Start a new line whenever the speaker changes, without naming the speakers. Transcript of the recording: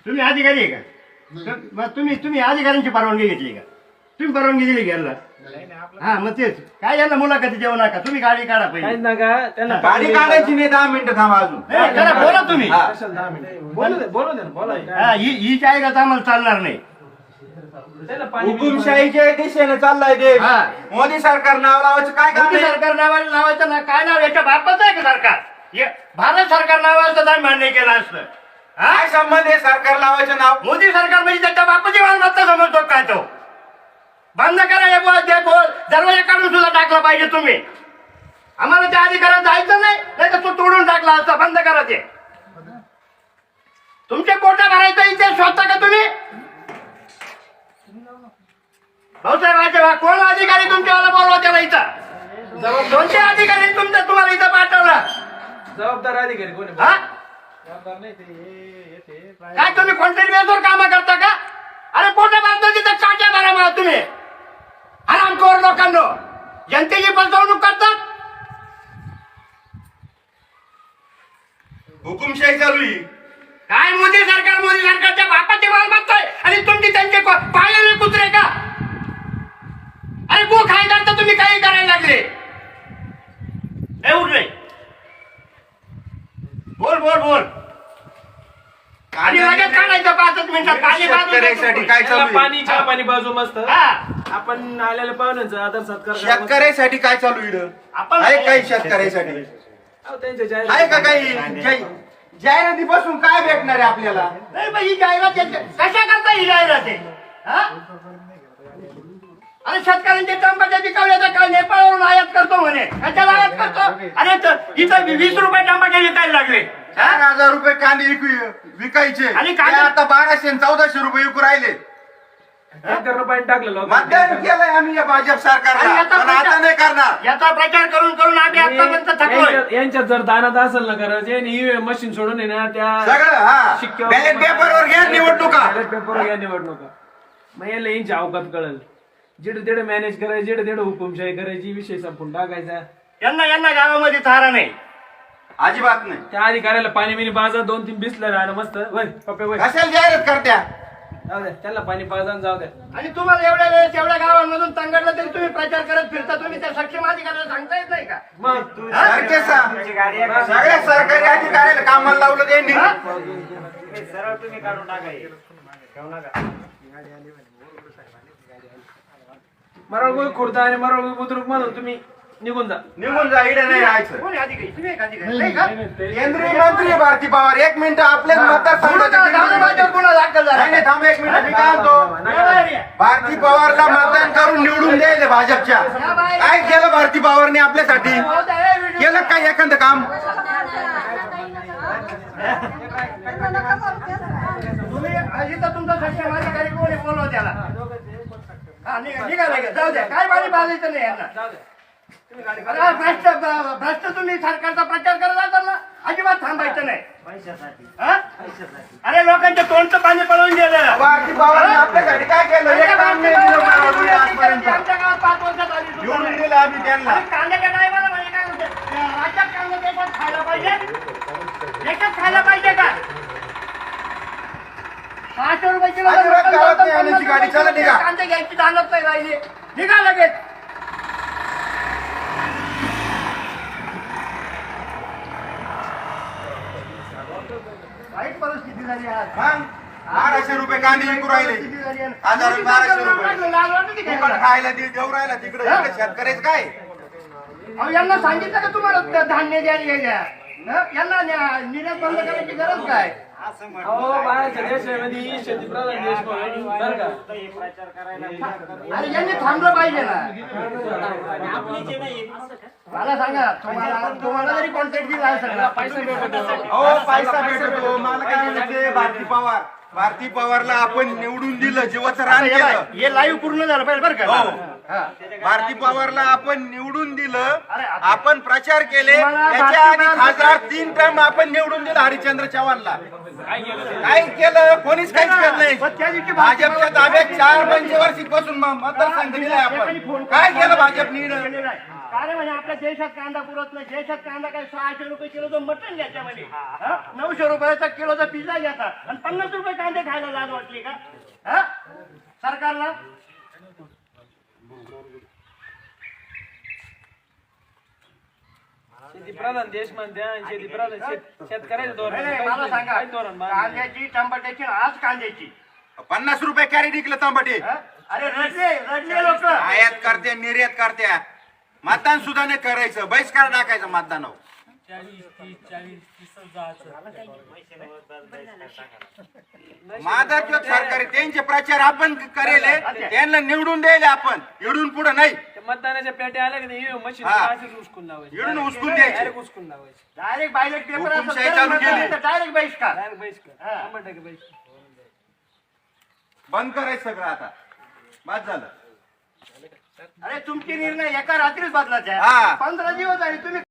तुम्ही अधिकारी आहे का? मग तुम्ही अधिकाऱ्यांची परवानगी घेतली का? तुम्ही परवानगी दिली घ्यायला? हा मग तेच काय यांना मुलाखती देऊ नका, तुम्ही गाडी काढा पहिले.
गाडी काढायची नाही, 10 मिनिटं थांबा अजून.
जरा बोला तुम्ही.
बोला
ही जाहिरात आम्हाला चालणार नाही.
हुकुमशाहीच्या दिशेने चाललाय देश.
हा.
मोदी सरकार नाव लावायचं काय काम
मोदी
आहे?
सरकार नावाला लावायचं ना, काय नाव याच्या बापाचं आहे का सरकार? भारत सरकार नावाचं नाही मान्य केलं असतं.
काय संबंध आहे सरकार लावायचं नाव?
मोदी सरकार म्हणजे त्याच्या बापाची मालमत्ता समजतो काय तो? बंद करा हे बोल ते बोल, दरवाजा काढून सुद्धा टाकला पाहिजे तुम्ही. आम्हाला त्या अधिकारात जायचं नाही, नाही तर तो तोडून टाकला असता. बंद करा ते. तुमचे पोटा भरायचं इथे स्वतः का तुम्ही? भाऊसाहेब कोण अधिकारी तुमच्यावाला बोलवा त्याला इथं? कोणते अधिकारी तुम्हाला इथं पाठवला?
जबाबदार अधिकारी कोणी?
हा?
जबाबदार नाही ते
काय तुम्ही कॉन्ट्रॅक्ट बेसवर काम करता का? अरे पोटा भरतो तिथं काट्या भरा मला तुम्ही. हरामखोर लोकांनो, जनतेची फसवणूक करतात.
हुकुमशाही चालू आहे.
काय मोदी सरकारच्या बापाची मालमत्ता आहे आणि तुमची त्यांचे पायाने कुत्रे का? अरे गो खायदार तर तुम्ही काही करायला लागले. एवढं नाही. बोल आणि लगेच काढायचं 5 मिनिटात. पाणी
शेतकऱ्यासाठी काय चालू आहे?
पाणी चहा पाणी बाजू मस्त.
हा.
आपण आलेल्या पाहुण्यांचा आदर सत्कार करा.
शेतकऱ्यासाठी काय चालू आहे?
आपण
आहे काही शेतकऱ्यासाठी?
अहो, त्यांच्या
आहे का
जाहिराती-
काही जाहिरातीपासून काय भेटणार आहे आपल्याला?
नाही पण ही जाहिरात कशा करता ही जाहिरात आहे? हा? अरे शेतकऱ्यांचे टमाटे पिकवले तर नेपाळवरून आयात करतो म्हणे. कशाला आयात करतो? अरे इथं 20 रुपये टमाटे विकायला लागले.
4,000 रुपये कांदे विकायचे
आणि
ते
कांदे-
आता 1200 आणि 1400 रुपये विकू राहिले.
1 रुपयाने टाकलं लोक.
मतदान केलंय आम्ही या भाजप सरकारला,
आणि याचा
पण आता नाही करणार.
याचा प्रचार करून आम्ही आतापर्यंत थकलोय.
यांच्यात जर दानात असेल ना करायचं ही मशीन सोडून आहे ना त्या
सगळं हा
शिक्क्यावर-
बॅलेट पेपरवर घ्या निवडणुका.
बॅलेट पेपरवर घ्या निवडणुका. मग याला यांची अवकात कळल. जिडे तिडे मॅनेज करायची, जिडे तिडे हुकुमशाही करायची, विषय संपून टाकायचा.
यांना गावामध्ये थारा नाही.
अजिबात नाही.
त्या अधिकाऱ्याला पाणी बिनी पाजा 2-3 बिसलं राहणं मस्त. वय पप्पे वय
कशाला जाहिरात करत्या?
जाऊ द्या त्यांना पाणी पाजा जाऊ द्या.
आणि तुम्हाला एवढ्या वेळेस एवढ्या गावांमधून तंगडलं तरी तुम्ही प्रचार करत फिरता. तुम्ही त्या सक्षम अधिकाऱ्याला सांगता येत नाही का?
मग
सारखे सगळ्या सरकारी अधिकाऱ्याला कामाला लावलं त्यांनी.
सरळ तुम्ही काढून टाका.
मरळ खुर्दा आणि मरळ बुद्रुक म्हणून तुम्ही निघून जा.
निघून जा, इकडे नाही राहायचं.
कोणी अधिकारी? तुम्ही एक अधिकारी नाही का?
केंद्रीय मंत्री भारती पवार 1 मिनिट आपल्याच मतदारसंघाचे
गुन्हा दाखल झाला.
नाही थांब 1 मिनिट मी काय म्हणतो, भारती पवारला मतदान करून निवडून द्यायला भाजपच्या. काय केलं भारती पवारने आपल्यासाठी? केलं काय एखादं काम?
तुम्ही इथं तुमचा सक्षम अधिकारी कोणी बोलवा त्याला. हा निघा लगेच. जाऊ द्या. काय पाणी पाजायचं नाही यांना. अरे भ्रष्ट तुम्ही सरकारचा प्रचार करत असाल ना, अजिबात थांबायचं नाही. हा? अरे लोकांच्या तोंडचं पाणी पळवून गेलं.
भारती पवारने आपल्यासाठी काय केलं? एक काम नाही दिलं मला आजपर्यंत.
आमच्या गावात 5 वर्षात आली सुद्धा
निवडून
नाही.
दिलं आम्ही त्यांना.
आणि कांद्याच्या टायमाला म्हणजे काय म्हणते, राज्यात कांदा देशात खायला पाहिजे. देशात खायला पाहिजे का? 500 रुपये किलो
अजिबात गावात नाही आणायची गाडी. चला निघा.
कांदे घ्यायची जाणत नाही राहिली. निघा लगेच. वाईट परिस्थिती झाली आज.
मग 1200 रुपये कांदे विकू राहिले. 1200 रुपये फुकट खायला देऊ राहिला तिकडे. इकडे शेतकऱ्याचं काय?
अहो यांना सांगितलं का तुम्हाला धान्य द्या. यांना निर्यात बंद करायची गरज काय?
अहो बाहेरच्या देशामध्ये शेतीप्रधान देश म्हणून बरं का
अरे यांनी थांबलं पाहिजे ना. मला सांगा, तुम्हाला जरी कॉन्ट्रॅक्ट दिला असेल पैसा भेटत असेल.
हो पैसा भेटतो. मला काय म्हणायचं, भारती पवारला आपण निवडून दिलं, जीवाचं रान केलं.
हे लाईव्ह पूर्ण झालं पाहिजे बरं का?
हो. भारती पवारला आपण निवडून दिलं, आपण प्रचार केले. त्याच्या आधी खासदार 3 टर्म आपण निवडून दिलं हरिश्चंद्र चव्हाणला. काय केलं? कोणीच काहीच केलं नाही. भाजपच्या ताब्यात 4 पंचवार्षिक पासून मतदारसंघ दिलाय आपण. काय केलं भाजपने?
काय म्हणजे आपल्या देशात कांदा पुरत नाही. देशात कांदा काय 600 रुपये किलोचं मटण घ्यायच्या म्हणजे 900 रुपयाचा किलोचा पिझ्झा घ्यायचा आणि 50 रुपये कांदे खायला लाज वाटली का हा सरकारला?
शेती प्रधान देश म्हणते आणि शेती प्रधान शेतकऱ्याचं धोरण
नाही, नाही, मला सांगा
काय धोरण मानलं?
कांद्याची टमाट्याची आज कांद्याची
50 रुपये कॅरेट विकलं तांबटे.
हा? अरे रडले लोक.
आयात करते निर्यात करत्या. मतदान सुद्धा नाही करायचं, बहिष्कार टाकायचं मतदानावर. माझा किंवा सरकारी त्यांचे प्रचार आपण करेल, त्यांना निवडून द्यायला आपण, इडून पुढे नाही.
त्या मतदानाच्या पेट्या आल्या की नाही मशीन
हा.
असेच उचकून लावायचे.
इडून उचकून द्यायचे.
डायरेक्ट उचकून लावायचे.
डायरेक्ट बायलेट पेपर
हुकुमशाही चालू केली.
डायरेक्ट बहिष्कार.
डायरेक्ट बहिष्कार.
हा.
100% बहिष्कार.
बंद करायचं सगळं आता. बाद झालं.
अरे तुमचे निर्णय एका रात्रीच बदलायचे
हा.
15 दिवस झाले तुम्ही